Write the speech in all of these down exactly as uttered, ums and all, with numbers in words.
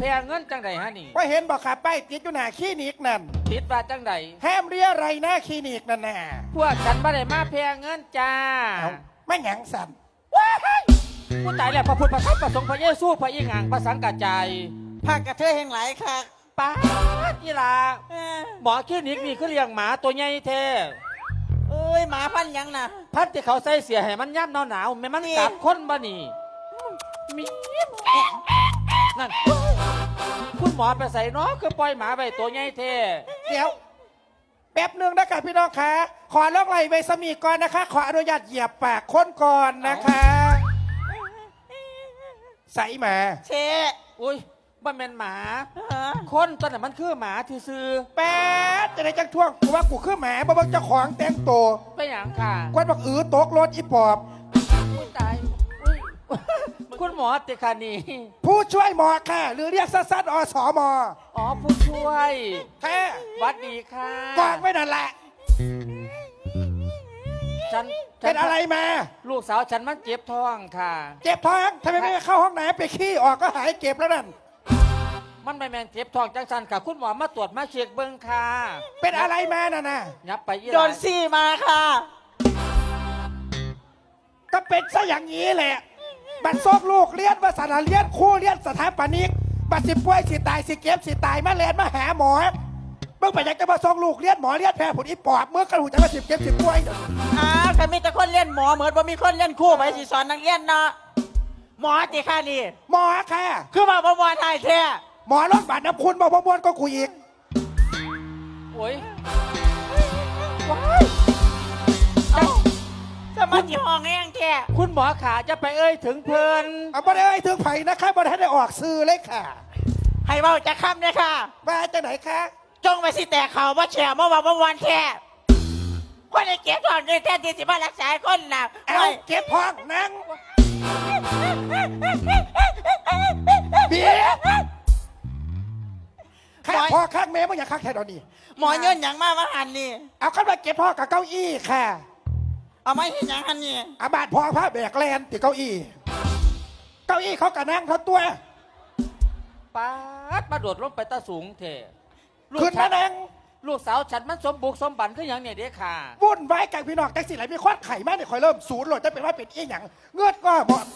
พงเงินจังใดฮะนี่ว่าเห็นบอกขาป้ายติดอยู่หน้าคลินิกนั่นติดว่าจังใดห้ามเรียอะไรหน้าคลินิกนั่นน่ะพวกฉันไม่ได้มาแพงเงินจ้าเอาไม่หยังสันผู้ตายแล้วพระพุทธพระธรรมพระสงฆ์พระเยซูพระอิงอ่างพระสังกัจจายภาคกระเทยแห่งหลายค่ะป้าดอีหลาเออหมอคลินิกนี่คือเลี้ยงหมาตัวใหญ่แท้เอ้ยหมาพันธุ์หยังน่ะพัดที่เขาใส่เสียให้มันย่ำหนาวหนาวๆแม่มันนี่กัดคนบ่นี่มีนั่นคุณหมอไปใส่เนาะคือปล่อยหมาไปตัวใหญ่แท้เดี๋ยวแป๊บหนึ่งนะคะพี่น้องคะขอลอกไหลไวสมีก่อนนะคะ ขออนุญาตเหยียบปากคนก่อนนะคะใส่หมาเชอุ้ยบ่แม่นหมาฮะคนตัวนั้นมันคือหมาที่ซื้อแป๊ดจะได้จังท่วงกูว่ากูคือหมาบ่เบังเจ้าของแต่งตัวไปอย่างค่ะกวนบอกอือตกรถอีปอบอุ้ยตายอุ้ยคุณหมอติคานีผู้ช่วยหมอค่ะ หรือเรียกสั้นๆอสมอ๋อผู้ช่วยแค่หวัดดีค่ะกองไว้นั่นแหละฉันฉัเป็นอะไรมาลูกสาวฉันมันเจ็บท้องค่ะเจ็บท้องทำไมไม่เข้าห้องน้ำไปขี้ออกก็หายเจ็บแล้วนั่นมันไม่แมนเจ็บท้องจังสันค่ะ คุณหมอมาตรวจมาเช็คเบิ้งค่ะเป็นอะไรมาน่ะนะยับไปยี่โดนซี่มาค่ะก็เป็นซะอย่างนี้แหละ บัดซอกลูกเลี้ยนว่าสารเลี้ยนคู่เลี้ยนสถาปนิกบัดสิป่วยสิตายสิเก็บสิตายมาเรียนมาหาหมอเมื่อไปอยากจะมาซอกลูกเลี้ยนหมอเลี้ยนแพ้ผลอีปอบเมื่อกระหูจะมาสิเก็บสิป่วยอ้าวแต่มีแต่คนเล่นหมอเหมือนว่ามีคนเล่นคู่ไปสิสอนนักเรียนเนาะหมอติค่ะนี่หมอค่ะคือมาประมวลไทยแท้หมอรถบาดน้ำคุณบอกประมวลก็กูอีกโอ้ยเอ้าจะมาที่ห้องแห้งแท้คุณหมอขาจะไปเอ้ยถึงเพลินเอาบ่ได้เอ่ยถึงไผ่นะคะบ่ได้ได้ออกซื้อเลยค่ะให้เบาจะค้ำเนี่ยค่ะมาจากไหนคะจงไปสิแต่เขาว่าแฉเมื่อวานเมื่อวานแท้คนในเก็บถอนเงินแท้ที่สิมารักษาคนน่ะเอาเก็บพองนั่งเบียร์ข้างพ่อข้างแม่มึงอย่าข้างแค่ตอนนี้หมอเงินอย่างมากว่าหันนี่เอาขึ้นมาเก็บพ่อกับเก้าอี้ค่ะเอาไม่เห็นอย่างหันนี่อาบาดพอผ้าแบกแลนติดเก้าอี้ เก้าอี้เขากระนั่งเขาตัวป๊าดมาโดดลงไปตาสูงเถอะลูกขึ้นฉัมาน นั่งลูกสาวฉันมันสมบุกสมบันคืออย่างเนี่ยเด็กค่ะวุ่นวายกับพี่น้องแท็กซี่ไหลมีควัดไข่มากเนี่ยคอยเริ่มศูนย์โหลดจะเป็นว่าเป็นอีหยังเงือดก็หมด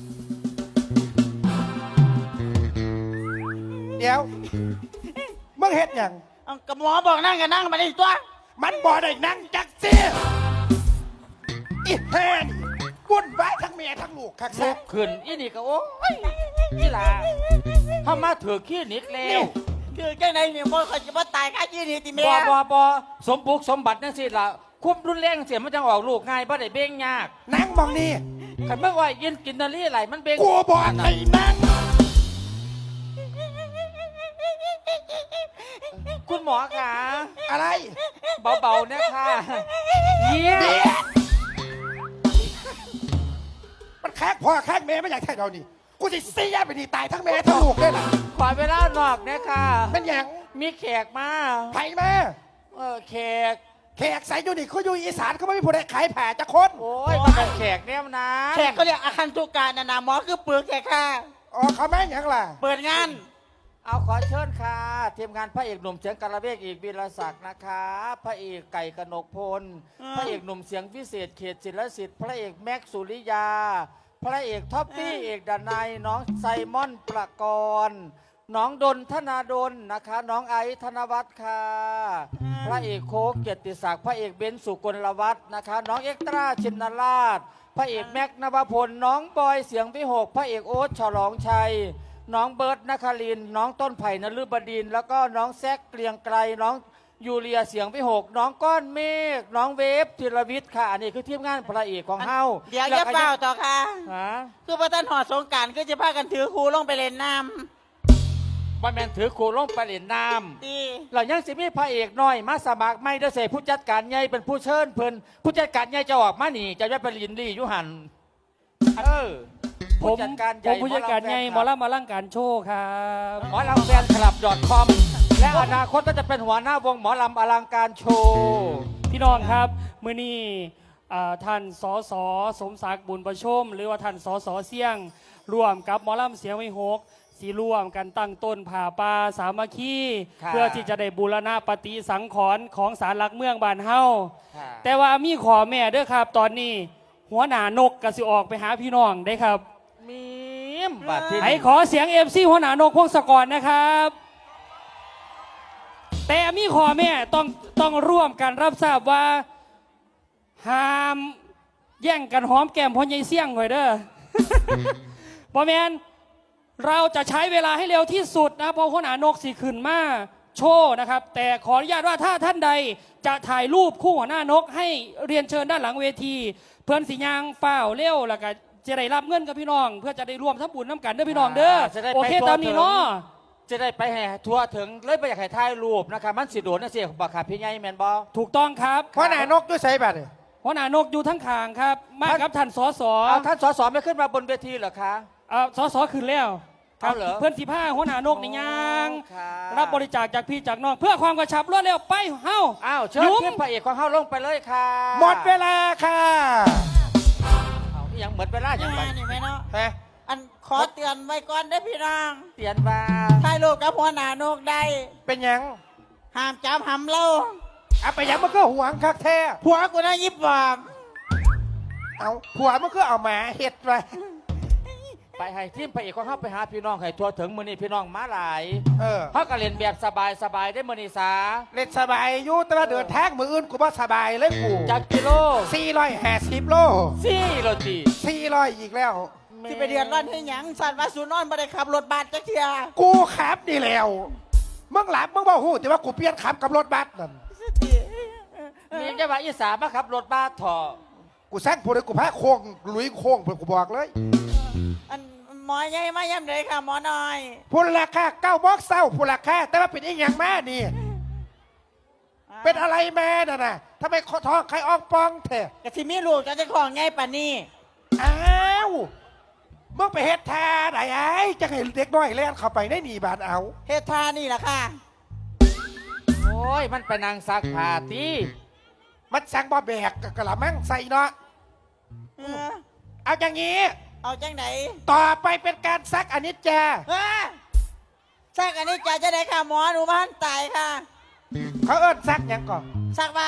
เดี๋ยวมึงเฮ็ดหยังเอากับหมอบอกนั่งก็นั่งมาได้ตัวมันบ่ได้นั่งจักซี่อีแฮนวุ่นวายทั้งเมียทั้งลูกคักลุแซ่กขึ้นอีนี่ก็โอ้ยนี่ล่ะเข้ามาถือขี้นิกแล้นี่วคือจังไหนเนี่ยมอเขาจะมาตายค่ายี่นี่ติเมีบยอบอบอสมบุกสมบัตินั่นสิล่ะควบรุนแรงเสียมันจังออกลูกง่ายบ่ได้เบ่งยากนั่งมองนี่ขันเมื่อว่ายินกินนารีไหลมันเบ่งกูบอกให้นั่งคุณหมอขาอะไรเบาๆนะค่ะเยี่ยเบียดมันแคกพ่อแคกแม่ไม่อยากแค่เรานี่กูจะเสียไปนี่ตายทั้งแม่ทั้งลูกเลยล่ะขอเวลานอกนะค่ะเป็นหยังมีแขกมาไผ่มาเออแขกแขกใส่ยูนิคเขาอยู่อีสานเขาไม่มีผู้ใดขายแผ่จะคนโอ้ยมันเป็นแขกเนี่ยนะแขกเขาเรียกอาคันตุการนะนะหมอคือเปลือกแขกค่ะอ๋อเขาแม่งหยังล่ะเปิดงานเอาขอเชิญค่ะทีมงานพระเอกหนุ่มเสียงกระเบกอีกวีรศักดิ์นะคะ พระเอกไก่กนกพล พระเอกหนุ่มเสียงพิเศษเขตศิลสิทธิ์พระเอกแม็กซ์สุริยา พระเอกท็อปปี้เอกดานายน้องไซมอนประกรณ์น้องดนธนาดลนะคะ น้องไอซ์ธนวัฒน์ค่ะ พระเอกโคกเกียรติศักดิ์พระเอกเบนซ์สุกลวัฒน์นะคะ น้องเอ็กตร้าชินราช พระเอกแม็กซ์นภพลน้องบอยเสียงวิหกพระเอกโอ๊ตฉลองชัย น้องเบิร์ตนครินทร์น้องต้นไผ่นฤบดินทร์แล้วก็น้องแซกเกลียงไกลน้องยูเลียเสียงวิหกน้องก้อนเมฆน้องเวฟธีรวิทย์ค่ะอันนี้คือทีมงานพระเอกของเฮาเดี๋ยวจะเฝ้าต่อค่ะฮะคือพระท่านหอดสงกรารก็จะพากันถือครูลงไปเล่นน้วันแมนถือโคลงไปเล่นน้ำดีำเรายังสิมีพระเอกน้อยมาสมัครไม่ได้เสผู้จัดการใหญ่เป็นผู้เชิญเพิ่นผู้จัดการใหญ่จะออกมาหนีจะได้ไปลินลี่อยุหันเออผมผู้จัดการใหผญ่มผู้จัดการใหญ่หมอลำมาลังการโชว์ครับหมอลำแฟนคลับ .com และอนาคตก็จะเป็นหัวหน้าวงหมอลำอลังการโชว์พี่น้องครับมื้อนี้อ่าท่านสสสมศักดิ์บุญประชม หรือว่าท่านสสเสี่ยงร่วมกับหมอลำเสียงวิหกสีร่วมกันตั้งต้นผ่าป่าสามัคคีค่ะเพื่อที่จะได้บูรณะปฏิสังขรณ์ของศาลหลักเมืองบ้านเฮาค่ะแต่ว่ามีขอแม่เด้อครับ ตอนนี้หัวหน้านกกสิออกไปหาพี่น้องได้ครับมีมบัดที่ให้ขอเสียงเอฟซีหัวหน้านกพงศกรนะครับ แต่มีขอแม่ต้องต้องร่วมกันรับทราบว่าห้ามแย่งกันหอมแก้มพ่อใหญ่เสี่ยงหน่อยเด้อ บอแมนเราจะใช้เวลาให้เร็วที่สุดนะเพราะหัวหน้านกสีขึ้นมาโชว์นะครับ แต่ขออนุญาตว่าถ้าท่านใดจะถ่ายรูปคู่หัวหน้านกให้เรียนเชิญด้านหลังเวที เพื่อนสียางเฝ้าวเร็วแล้วก็จะได้รับเงินกับพี่น้อง เพื่อจะได้ร่วมทำบุญน้ำกันเด้อพี่น้องเด้อจะได้โอไปเคทั่วตามนี้เนาะถึงจะได้ไปแห่ทัวร์ถึงเลยไปอยากให้ถ่ายรูปนะคะมันสิโดนนะเสียบักขาพี่ใหญ่แมนบอถูกต้องครับเพราะหนานกด้วยใส่บัตรนี่หัวหน้านกอยู่ทั้งขางครับ มากับท่านสสเอาท่านสสไม่ขึ้นมาบนเวทีเหรอคะเอ่อสสขึ้นแล้วครับเอาเหรอเพื่อนสีผ้าหัวหน้านกในยางค่ะรับบริจาคจากพี่จากน้อง เพื่อความกระชับรวดเร็วไปเฮ้าอ้าวเชิญยุ้มขึ้นพระเอกของเฮาลงไปเลยค่ะหมดเวลาค่ะเอาอีหยังเหมือนเวลาอย่างไรมานี่แม่เนาะฮะอันขอเตือนไว้ก่อนได้อพี่น้องเตียนว่าถ่ายรูปกับหัวหน้านกได้เป็นหยังห้ามจับหำเล่าเอาไปหยังมันก็หวงคักแท้ผัวกูน่ายิบบอกเอาผัวมันก็เอาหมาเห็ดไปไปให้ทีมพระเอกของเฮาไปหาพี่น้องให้ทัวร์ถึงมื้อนี้พี่น้องมาหลายเออเฮาก็เล่นแบบสบายสบายๆได้มื้อนี้สาเล่นสบายอยู่แต่ว่าเดินทางมืออื่นกูบ่สบายเลยกูจักกิโลสี่ร้อยห้าสิบโลสี่โลตีสี่ร้อยอีกแล้วที่ไปเดือดร้อนให้หยังสัตว์ว่าสูนอนบ่ได้ขับรถบัสจักเทียกูขับนี่แล้วมึงหลับมึงบ่หูแต่ว่ากูเปลี่ยนขับกับรถบัสนั่นมีจะว่าอีสานมาขับรถบ้าถอกูแซงผู้ใดกูพาโค้งลุยโค้งเพื่อกูบอกเลยอันหมอใหญ่มาย่ำเลยค่ะหมอน้อยพูนราคาเก้าบอกเศร้าพูนราคาแต่ว่าเป็นอีกอย่างแม่นี่ เป็นอะไรแม่น่ะนะทำไมคอท้องใครออกปองเถอะกะที่มีลูกจะจะของไงป่านนี้อ้าวมึงไปเฮ็ดท่าไหนไอ้จะให้เด็กน้อยเล่นเข้าไปได้หนีบานเอาเฮดทานี่แหละค่ะโอ้ยมันไปนางซักผ้าตีมันสั่งบ่แบกกะละมังใส่เนาะเออเอาอย่างนี้เอาจังไหนต่อไปเป็นการซักอนิจจาเฮ้ยซักอันนี้จะจะได้ค่ะหมอหนูบ้านตายค่ะเขาเอิ้นซักหยังก่อนซักเบา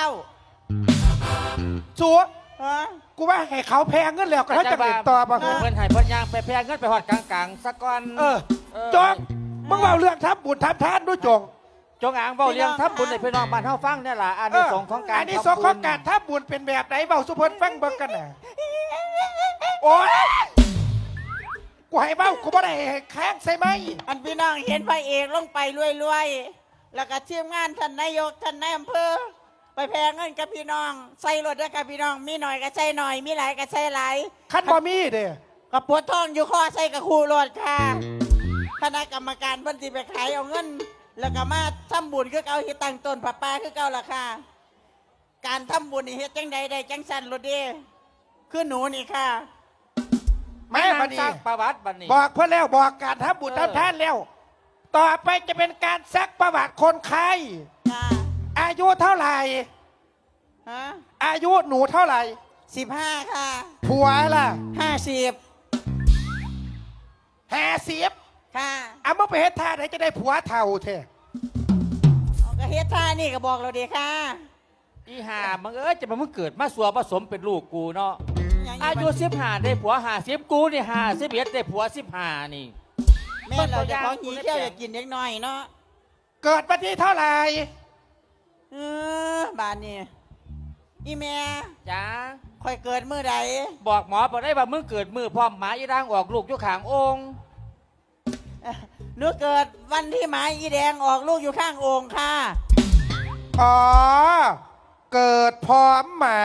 สัวฮะกูว่าให้เขาแพงเงินแล้วก็เขาจะเล่นต่อบ่เพิ่นให้เพิ่นย่างไปแพงเงินไปหอดกลางๆสักก่อนเออจงมึงเอาเรื่องทำบุญทำทานด้วยจงจงอางเบาเลี้ยงทับบุญในพี่น้องบ้านเฮาฟังเนี่ยล่ะอันนี้สงส์ของการอันนี้สงส์ของการทำบุญเป็นแบบไหนเบาสุพลฟังเบิ่งกันน่ะโอ๊ยกูให้เบ้ากูบ่ได้ให้แข้งใส่ไหมอันพี่น้องเห็นพระเอกลงไปรวยๆ แล้วก็ทีมงานท่านนายกท่านนายอำเภอไปแพงเงินกับพี่น้องใส่รถด้วยกับพี่น้องมีหน่อยก็ใส่หน่อยมีหลายก็ใส่หลายคันบ่มีเด้กับปวดท้องอยู่ข้อใส่กับคู่รถค่ะคณะกรรมการเพิ่นสิไปขายเอาเงิน แล้วก็มาทำบุญคือเก่าเฮ็ดตั้งต้นผ้าป่าคือเก่าล่ะค่ะ การทำบุญนี่เฮ็ดจังใดได้จังสันรถเด้คือหนูนี่ค่ะแม่บัดสนี้ร้างประวัติบัดนี้บอกเพื่อนแล้วบอกการทำบุญทำทานแล้ว ต่อไปจะเป็นการซักประวัติคนไข้ค่ะอายุเท่าไหร่ฮะอายุหนูเท่าไหร่สิบห้าค่ะผัวล่ะห้าสิบห้าสิบค่ะเอามาไปเฮ็ดท่าไหนจะได้ผัวเท่าเถอะเอาก็เฮ็ดท่านี่ก็บอกเราดีค่ะอีห่ามึงเอ้ยจะมามึงเกิดมาสัวผสมเป็นลูกกูเนาะยังอายุสิบห้าได้ผัวห้าสิบกูนี่ห้าสิบเอ็ดได้ผัวสิบห้านี่แม่เราจะของหีเที่ยวอยากกินเล็กน้อยเนาะเกิดวันที่เท่าไหร่เออบานนี่อีแม่จ้าค่อยเกิดมื้อใดบอกหมอบอกได้ว่ามึงเกิดมือพร้อมหมาอีร่างออกลูกอยู่ข้างองค์เอ่อหนูเกิดวันที่หมาอีแดงออกลูกอยู่ข้างโอ่งค่ะอ๋อเกิดพร้อมหมา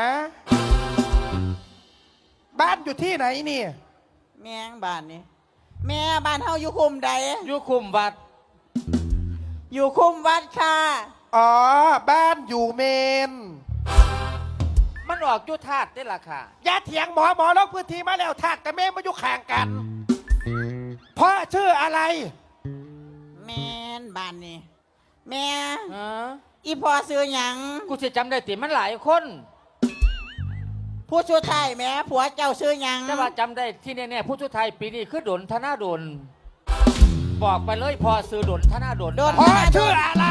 บ้านอยู่ที่ไหนนี่แม่งบ้านนี่แม่บ้านเฮาอยู่คุมใดอยู่คุมวัดอยู่คุมวัดค่ะอ๋อบ้านอยู่เมนมันออกอยู่ธาตุได้ล่ะค่ะอย่าเถียงหมอหมอลงพื้นที่มาแล้วทาดกับเมนมาอยู่ข้างกันพ่อชื่ออะไรแม่นบ้านนี่แม่เอออีพอซื้อหยังกูจะจำได้ติมันหลายคนผู้ช่วยไทยแม่ผัวเจ้าซื้อหยังแต่ว่าจำได้ที่แน่ๆผู้ชุไทยปีนี้คือดนธนาดนบอกไปเลยพอซื้อดนท่าหน้าดนโดนพ่อชื่ออะไร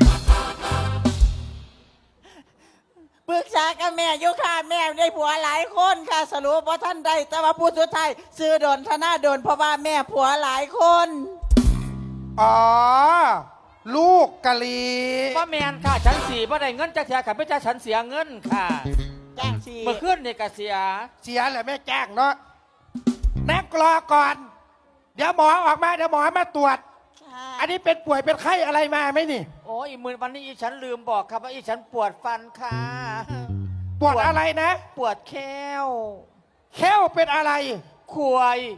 ปรึกษากับแม่อยู่ค่ะแม่ได้ผัวหลายคนค่ะ สรุปว่าท่านใดแต่ว่าผู้สุดท้ายซื้อโดนธนาโดนเพราะว่าแม่ผัวหลายคนอ๋อ ลูกกะลีว่าแมนค่ะฉันสีว่าได้เงินจากเสียค่ะไม่ใช่ฉันเสียเงินค่ะจ้างชีเมื่อคืนเนี่ยก็เสียเสียแหละแม่แจ้งเนาะนักรอก่อน เดี๋ยวหมอออกมาเดี๋ยวหมอมาตรวจค่ะอันนี้เป็นป่วยเป็นไข้อะไรมาไหมนี่โอ้ยมือวันนี้อีฉันลืมบอกครับว่าอีฉันปวดฟันค่ะปวดอะไรนะปวดแค้วแค้วเป็นอะไรควย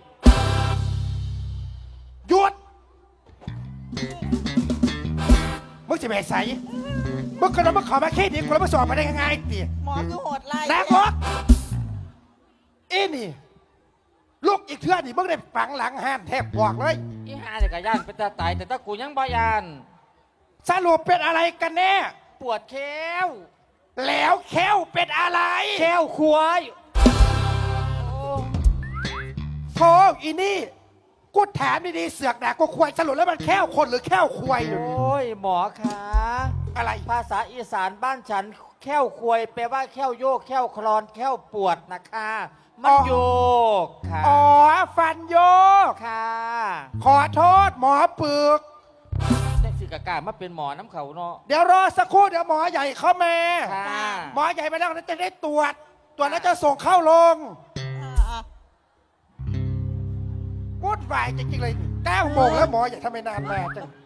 หยุดมึงจะไปใส่มึงกระโดดมึงขอมาแค่นี้กูแล้วมาสอบมาได้ยังไงตีหมอคือโหดไล่นักรกอีนี่ ลูกอีกเทื่อนี่มึงได้ฝังหลังห้านแทบบอกเลยอีหาเนี่ยก็ย่านเป็นตาตายแต่ถ้ากูยังบ่ยานสรุปเป็นอะไรกันแน่ปวดแค้วแล้วแค้วเป็นอะไรแค้วควยโอ้โธ่อีนี่กูถามดีๆเสือกด่ากูควายสรุปแล้วมันแค้วคนหรือแค้วควายอยู่โอ้ยหมอคะอะไรภาษาอีสานบ้านฉันแค้วควยแปลว่าแค้วโยกแค้วคลอนแค้วปวดนะคะมันโยกค่ะอ๋อ ฟันโยกค่ะขอโทษหมอปึกแต่สิกากามาเป็นหมอน้ำเขาเนาะเดี๋ยวรอสักครู่เดี๋ยวหมอใหญ่เข้ามาค่ะหมอใหญ่มาแล้วจะได้ตรวจ ตรวจแล้วจะส่งเข้าโรงอ่าวุ่นวายจริงๆเลยเก้าโมงแล้วหมอใหญ่ทำไมนานมาจัง